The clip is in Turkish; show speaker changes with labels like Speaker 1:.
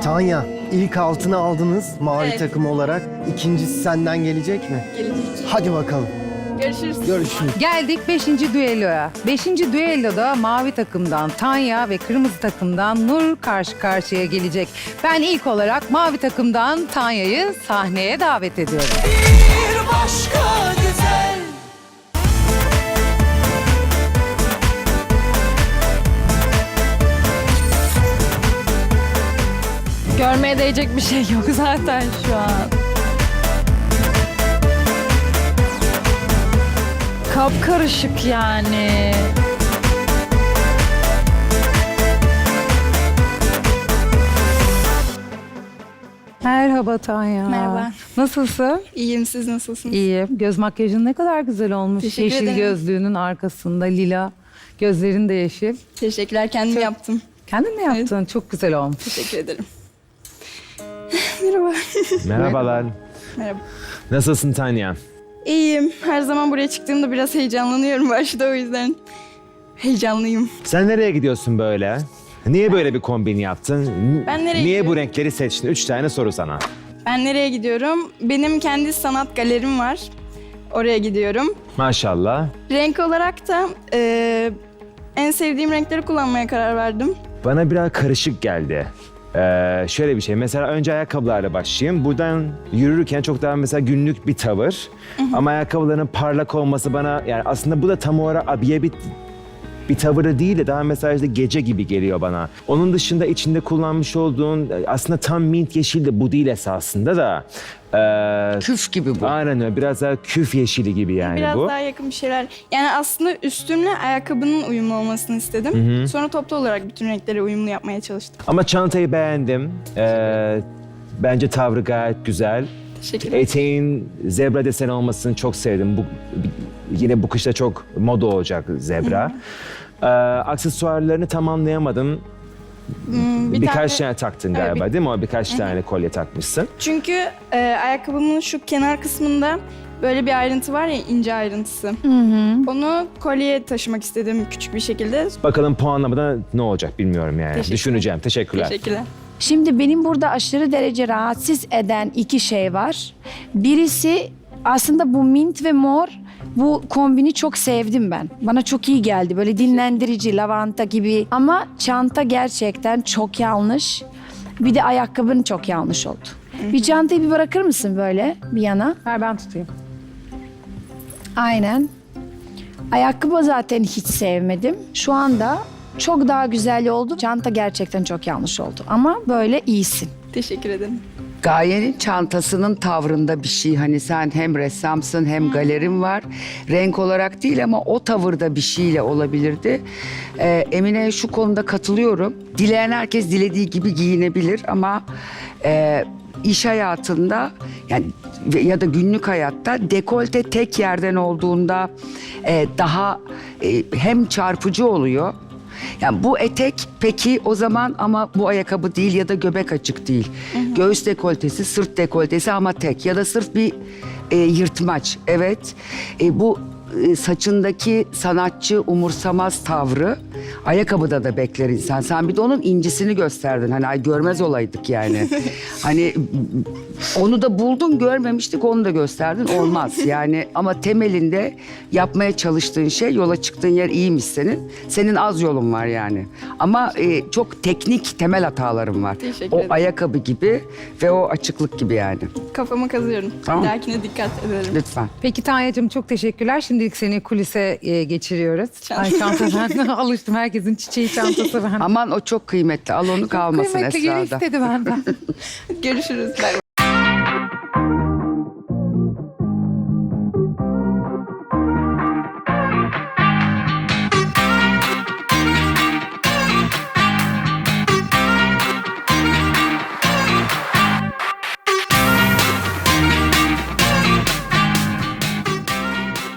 Speaker 1: Tanya, ilk altını aldınız mavi
Speaker 2: Evet.
Speaker 1: takım olarak. İkincisi senden gelecek mi?
Speaker 2: Gelecek.
Speaker 1: Hadi bakalım.
Speaker 2: Görüşürüz.
Speaker 1: Görüşürüz.
Speaker 3: Geldik 5. düelloya. 5. düelloda mavi takımdan Tanya ve kırmızı takımdan Nur karşı karşıya gelecek. Ben ilk olarak mavi takımdan Tanya'yı sahneye davet ediyorum.
Speaker 4: Bir başka güzel.
Speaker 2: Görmeye değecek bir şey yok zaten şu an. Kapkarışık yani.
Speaker 3: Merhaba Tanya.
Speaker 2: Merhaba.
Speaker 3: Nasılsın?
Speaker 2: İyiyim, siz nasılsınız?
Speaker 3: İyiyim. Göz makyajın ne kadar güzel olmuş.
Speaker 2: Teşekkür
Speaker 3: Yeşil
Speaker 2: ederim.
Speaker 3: gözlüğünün arkasında lila. Gözlerin de yeşil.
Speaker 2: Teşekkürler, kendim yaptım.
Speaker 3: Kendin mi yaptın? Çok güzel olmuş.
Speaker 2: Teşekkür ederim. Merhaba.
Speaker 5: Merhabalar.
Speaker 2: Merhaba.
Speaker 5: Nasılsın Tanya?
Speaker 2: İyiyim. Her zaman buraya çıktığımda biraz heyecanlanıyorum başta, o yüzden heyecanlıyım.
Speaker 5: Sen nereye gidiyorsun böyle? Niye böyle bir kombin yaptın?
Speaker 2: Ben nereye
Speaker 5: Niye
Speaker 2: gidiyorum?
Speaker 5: bu renkleri seçtin? 3 tane soru sana.
Speaker 2: Ben nereye gidiyorum? Benim kendi sanat galerim var. Oraya gidiyorum.
Speaker 5: Maşallah.
Speaker 2: Renk olarak da en sevdiğim renkleri kullanmaya karar verdim.
Speaker 5: Bana biraz karışık geldi. Şöyle bir şey. Mesela önce ayakkabılarla başlayayım. Buradan yürürken çok daha mesela günlük bir tavır. Ama ayakkabıların parlak olması bana yani aslında bu da tam olarak abiye bir tavırı değil de daha mesela işte gece gibi geliyor bana. Onun dışında içinde kullanmış olduğun aslında tam mint yeşil de bu değil esasında da.
Speaker 6: Küf gibi bu.
Speaker 5: Aynen öyle. Biraz daha küf yeşili gibi yani
Speaker 2: Biraz
Speaker 5: bu.
Speaker 2: daha yakın bir şeyler. Yani aslında üstümle ayakkabının uyumlu olmasını istedim. Sonra toplu olarak bütün renkleri uyumlu yapmaya çalıştım.
Speaker 5: Ama çantayı beğendim. Bence tavrı gayet güzel.
Speaker 2: Teşekkürler.
Speaker 5: Eteğin zebra deseni olmasını çok sevdim. Yine bu kışta çok moda olacak zebra. Aksesuarlarını tamamlayamadım. Birkaç tane taktın
Speaker 2: Evet,
Speaker 5: galiba değil mi? O birkaç tane kolye takmışsın.
Speaker 2: Çünkü ayakkabımın şu kenar kısmında böyle bir ayrıntı var ya, ince ayrıntısı. Onu kolyeye taşımak istedim küçük bir şekilde.
Speaker 5: Bakalım puanlamada ne olacak bilmiyorum yani.
Speaker 2: Teşekkürler.
Speaker 5: Düşüneceğim. Teşekkürler.
Speaker 2: Teşekkürler.
Speaker 6: Şimdi benim burada aşırı derece rahatsız eden iki şey var. Birisi aslında bu mint ve mor. Bu kombini çok sevdim ben. Bana çok iyi geldi. Böyle dinlendirici, lavanta gibi. Ama çanta gerçekten çok yanlış. Bir de ayakkabın çok yanlış oldu. Bir çantayı bir bırakır mısın böyle bir yana?
Speaker 3: Ver ben tutayım.
Speaker 6: Aynen. Ayakkabı zaten hiç sevmedim. Şu anda çok daha güzel oldu. Çanta gerçekten çok yanlış oldu. Ama böyle iyisin.
Speaker 2: Teşekkür ederim.
Speaker 7: Gaye'nin çantasının tavrında bir şey. Hani sen hem ressamsın hem galerin var. Renk olarak değil ama o tavırda bir şeyle olabilirdi. Emine'ye şu konuda katılıyorum. Dileyen herkes dilediği gibi giyinebilir ama iş hayatında yani ya da günlük hayatta dekolte tek yerden olduğunda daha hem çarpıcı oluyor. Yani bu etek peki o zaman ama bu ayakkabı değil ya da göbek açık değil. Göğüs dekoltesi, sırt dekoltesi ama tek ya da sırf bir yırtmaç. Evet. Bu saçındaki sanatçı umursamaz tavrı ayakkabıda da bekler insan. Sen bir de onun incisini gösterdin. Hani ay görmez olaydık yani. Hani onu da buldun görmemiştik onu da gösterdin. Olmaz yani ama temelinde yapmaya çalıştığın şey yola çıktığın yer iyiymiş senin. Senin az yolun var yani. Ama çok teknik temel hataların var.
Speaker 2: Teşekkür
Speaker 7: O
Speaker 2: ederim.
Speaker 7: ayakkabı gibi ve o açıklık gibi yani.
Speaker 2: Kafama kazıyorum.
Speaker 7: Tamam.
Speaker 2: Bir dahakine dikkat ederim.
Speaker 7: Lütfen.
Speaker 3: Peki Tanya'cığım çok teşekkürler. Şimdilik seni kulise geçiriyoruz. Ay çanta ben alıştım. Herkesin çiçeği çantası ben.
Speaker 7: Aman o çok kıymetli. Al onu kalmasın
Speaker 3: Kıymetli geri
Speaker 7: Esra'da.
Speaker 3: istedi benden.
Speaker 2: Görüşürüz. Bay bay.